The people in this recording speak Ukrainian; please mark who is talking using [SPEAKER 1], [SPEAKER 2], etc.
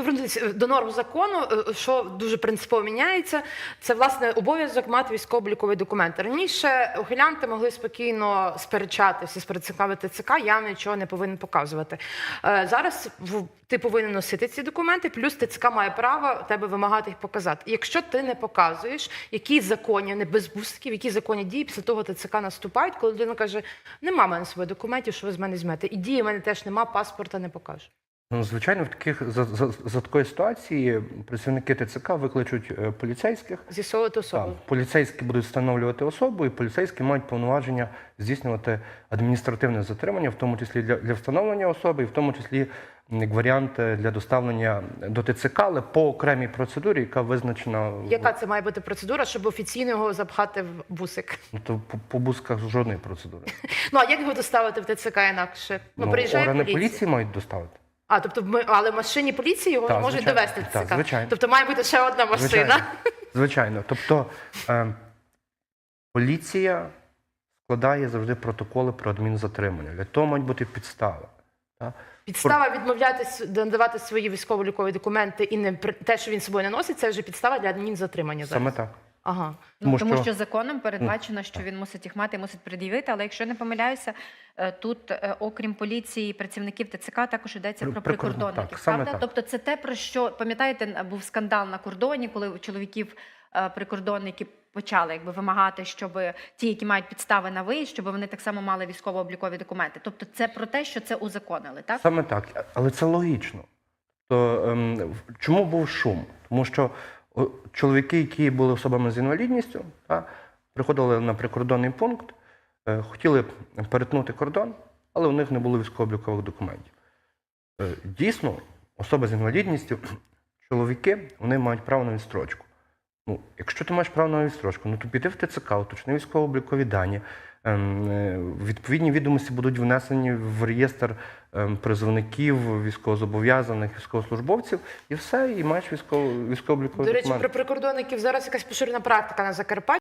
[SPEAKER 1] повернутися до норм закону, що дуже принципово міняється, це, власне, обов'язок мати військово-обліковий документ. Раніше ухилянти могли спокійно сперечатися з працівниками ТЦК, я нічого не повинен показувати. Зараз ти повинен носити ці документи, плюс ТЦК має право тебе вимагати їх показати. Якщо ти не показуєш, які законні, не без бусиків, які законні дії після того ТЦК наступають, коли людина каже, нема в мене своїх документів, що ви з мене візьмете. І дії в мене теж нема, паспорта не покажу.
[SPEAKER 2] Ну, звичайно, за такої ситуації працівники ТЦК викличуть поліцейських.
[SPEAKER 1] З'ясовувати особу.
[SPEAKER 2] Так, поліцейські будуть встановлювати особу, і поліцейські мають повноваження здійснювати адміністративне затримання, в тому числі для встановлення особи, і в тому числі як варіант для доставлення до ТЦК, але по окремій процедурі, яка визначена.
[SPEAKER 1] Яка це має бути процедура, щоб офіційно його запхати в бусик?
[SPEAKER 2] Ну, то по бусках жодної процедури.
[SPEAKER 1] Ну, а як його доставити в ТЦК інакше? Ну, приїжджає
[SPEAKER 2] органи
[SPEAKER 1] поліція.
[SPEAKER 2] поліції мають доставити.
[SPEAKER 1] А, тобто, але в машині поліції його не можуть довести в ТЦК?
[SPEAKER 2] Так, звичайно.
[SPEAKER 1] Тобто має бути ще одна машина?
[SPEAKER 2] Звичайно. Тобто поліція складає завжди протоколи про адмінзатримання. Для того мають бути підстави. Так?
[SPEAKER 1] Підстава відмовлятися надавати свої військово-облікові документи і не те, що він з собою не носить, це вже підстава для адмінзатримання зараз.
[SPEAKER 2] Саме так.
[SPEAKER 1] Ага.
[SPEAKER 3] Тому що законом передбачено, що він мусить їх мати і мусить пред'явити, але якщо не помиляюся, тут, окрім поліції, працівників ТЦК, також йдеться про прикордонників, правда? Тобто це те, про що, пам'ятаєте, був скандал на кордоні, коли у чоловіків прикордонники почали вимагати, щоб ті, які мають підстави на виїзд, щоб вони так само мали військово-облікові документи. Тобто це про те, що це узаконили, так?
[SPEAKER 2] Саме так, але це логічно. То, чому був шум? Тому що чоловіки, які були особами з інвалідністю, приходили на прикордонний пункт, хотіли перетнути кордон, але у них не було військово-облікових документів. Дійсно, особи з інвалідністю, чоловіки, вони мають право на відстрочку. Ну, якщо ти маєш право на відстрочку, то піди в ТЦК, уточни військово-облікові дані, відповідні відомості будуть внесені в реєстр призовників, військовозобов'язаних, військовослужбовців, і все, і маєш військово-облікові документи.
[SPEAKER 1] До речі, про прикордонників зараз якась поширена практика на Закарпатті.